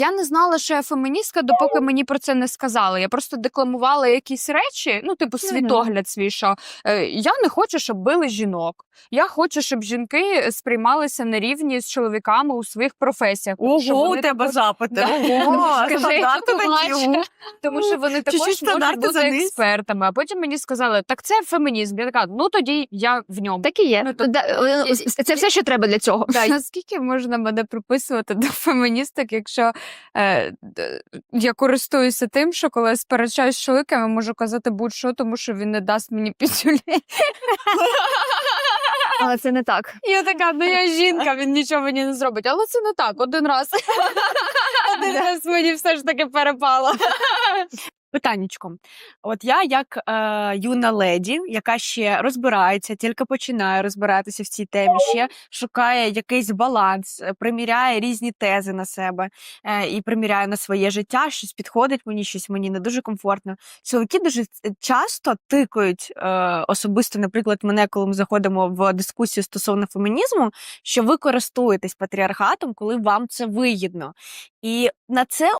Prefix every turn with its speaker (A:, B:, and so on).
A: Я не знала, що я феміністка, допоки мені про це не сказали. Я просто декламувала якісь речі, ну, типу, світогляд свій, що я не хочу, щоб били жінок. Я хочу, щоб жінки сприймалися на рівні з чоловіками у своїх професіях.
B: Ого, у тебе запити. Ого,
A: Скажи,
B: стандарти
A: бачиш?
B: такі.
A: Тому що вони також можуть
B: стандарти
A: бути
B: заниз.
A: експертами. А потім мені сказали, так це фемінізм. Я така, ну тоді я в ньому.
C: Так і є.
A: Ну, то-
C: Це все, що треба для цього.
A: Наскільки можна мене приписувати до феміністок, якщо я користуюся тим, що коли я сперечаюсь з чоловіком, я можу казати будь-що, тому що він не дасть мені пісюлі.
C: Але це не так.
A: Я така, ну я жінка, він нічого мені не зробить. Але це не так, один раз. Один раз мені все ж таки перепало.
B: Питаннячко. От я як юна леді, яка ще розбирається, тільки починає розбиратися в цій темі, ще шукає якийсь баланс, приміряє різні тези на себе і приміряє на своє життя, щось підходить мені, щось мені не дуже комфортно. Чоловіки дуже часто тикають, особисто, наприклад, мене, коли ми заходимо в дискусію стосовно фемінізму, що ви користуєтесь патріархатом, коли вам це вигідно. І на це